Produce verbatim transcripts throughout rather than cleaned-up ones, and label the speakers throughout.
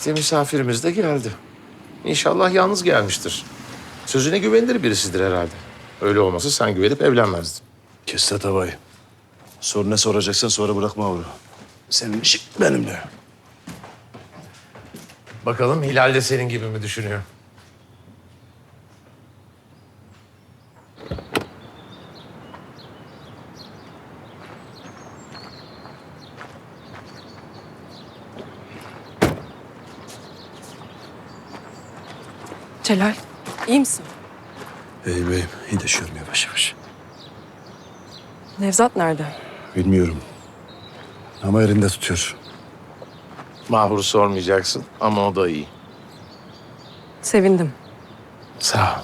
Speaker 1: İşte misafirimiz de geldi. İnşallah yalnız gelmiştir. Sözüne güvenilir birisidir herhalde. Öyle olmasa sen güvenip evlenmezdin.
Speaker 2: Kes tatavayı. Sor ne soracaksan sonra bırakma avru. Senin işin benimle.
Speaker 1: Bakalım Hilal de senin gibi mi düşünüyor?
Speaker 3: Celal, iyi misin?
Speaker 2: İyiyim iyiyim. İyi de şuyorum yavaş yavaş.
Speaker 3: Nevzat nerede?
Speaker 2: Bilmiyorum. Ama elinde tutuyor.
Speaker 1: Mahur'u sormayacaksın ama o da iyi.
Speaker 3: Sevindim.
Speaker 1: Sağ ol.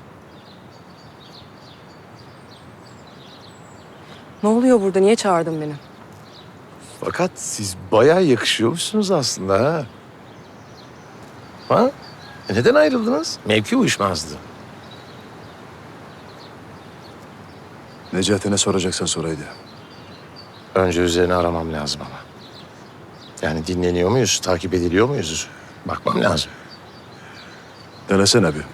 Speaker 3: Ne oluyor burada? Niye çağırdın beni?
Speaker 1: Fakat siz bayağı yakışıyormuşsunuz aslında ha. Ha? E neden ayrıldınız? Mevki uyuşmazdı.
Speaker 2: Necati ne soracaksan soraydı.
Speaker 1: Önce üzerine aramam lazım ama. Yani dinleniyor muyuz, takip ediliyor muyuz? Bakmam lazım.
Speaker 2: Denesene bir.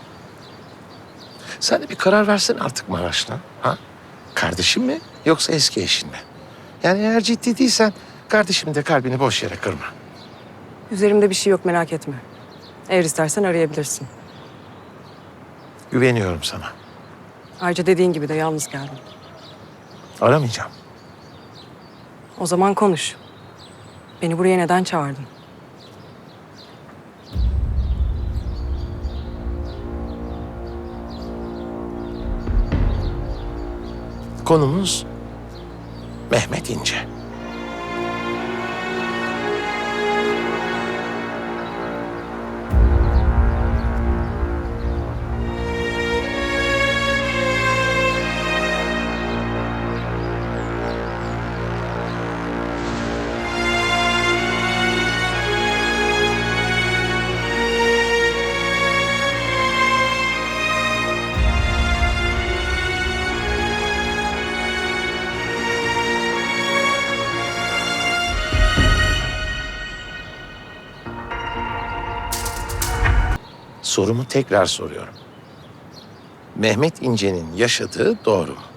Speaker 1: Sen de bir karar versene artık Maraş'la. Ha? Kardeşin mi yoksa eski eşin mi? Yani eğer ciddi değilsen kardeşim de kalbini boş yere kırma.
Speaker 3: Üzerimde bir şey yok, merak etme. Eğer istersen arayabilirsin.
Speaker 1: Güveniyorum sana.
Speaker 3: Ayrıca dediğin gibi de yalnız geldim.
Speaker 1: Aramayacağım.
Speaker 3: O zaman konuş. Beni buraya neden çağırdın?
Speaker 1: Konumuz Mehmet İnce. Sorumu tekrar soruyorum. Mehmet İnce'nin yaşadığı doğru mu?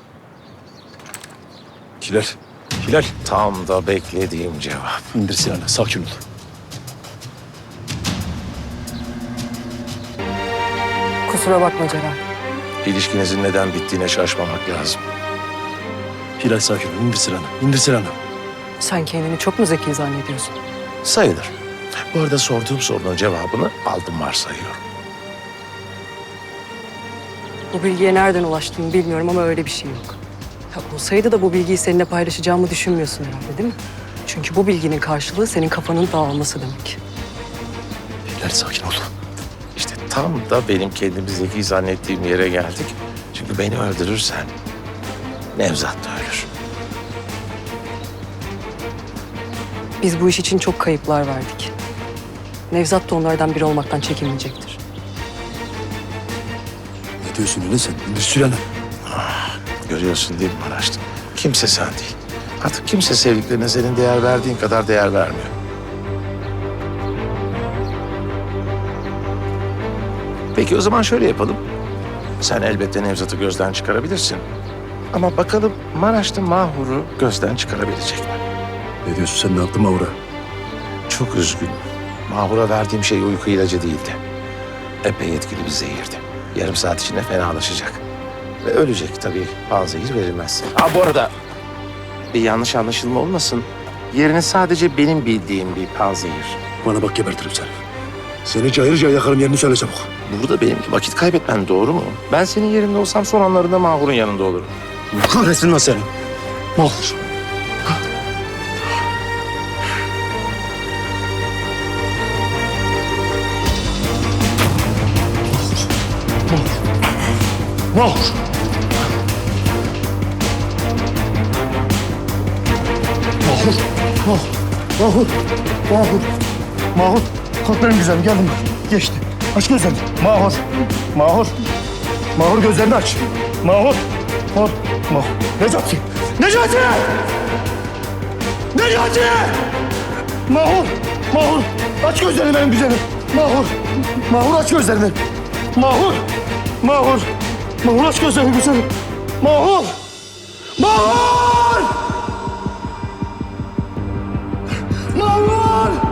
Speaker 2: Hilal. Hilal.
Speaker 1: Tam da beklediğim cevap.
Speaker 2: İndir silahını. Sakin ol.
Speaker 3: Kusura bakma Celal.
Speaker 1: İlişkinizin neden bittiğine şaşmamak lazım.
Speaker 2: Hilal sakin ol. İndir silahını. İndir silahını.
Speaker 3: Sen kendini çok mu zeki zannediyorsun?
Speaker 1: Sayılır. Bu arada sorduğum sorunun cevabını aldım varsayıyorum.
Speaker 3: Bu bilgiye nereden ulaştığını bilmiyorum ama öyle bir şey yok. Ya olsaydı da bu bilgiyi seninle paylaşacağımı düşünmüyorsun herhalde, değil mi? Çünkü bu bilginin karşılığı senin kafanın dağılması demek.
Speaker 2: Hilal sakin ol.
Speaker 1: İşte tam da benim kendimi zeki zannettiğim yere geldik. Çünkü beni öldürürsen Nevzat da ölür.
Speaker 3: Biz bu iş için çok kayıplar verdik. Nevzat da onlardan biri olmaktan çekinmeyecektir.
Speaker 2: Ne diyorsun öyle sen? İndir silahını.
Speaker 1: Görüyorsun değil mi Maraşlı? Kimse sen değil. Artık kimse sevdiklerine senin değer verdiğin kadar değer vermiyor. Peki o zaman şöyle yapalım. Sen elbette Nevzat'ı gözden çıkarabilirsin. Ama bakalım Maraşlı Mahur'u gözden çıkarabilecek mi?
Speaker 2: Ne diyorsun sen? Ne yaptın Mavra?
Speaker 1: Çok üzgünüm. Mahur'a verdiğim şey uyku ilacı değildi. Epey etkili bir zehirdi. Yarım saat içinde fenalaşacak. Ve ölecek tabii. Panzehir verilmezse. Ha bu arada bir yanlış anlaşılma olmasın. Yerini sadece benim bildiğim bir panzehir.
Speaker 2: Bana bak gebertirim seni. Seni cayır cayır yakarım, yerini söyle çabuk.
Speaker 1: Burada benim vakit kaybetmen doğru mu? Ben senin yerinde olsam son anlarında Mahur'un yanında olurum.
Speaker 2: Kahretsin lan seni. Mahur. Mahur. Mahur. Mahur. Mahur. Mahur. Mahur. Kalk benim güzelim, geldim. Geçti. Aç gözlerini. Mahur. Mahur. Mahur gözlerini aç. Mahur. Mahur. Mahur. Necati. Necati! Necati! Mahur. Mahur, aç gözlerini benim güzelim. Mahur, Mahur aç gözlerini. Mahur, Mahur, Mahur aç gözlerini güzelim. Mahur, Mahur! Mahur!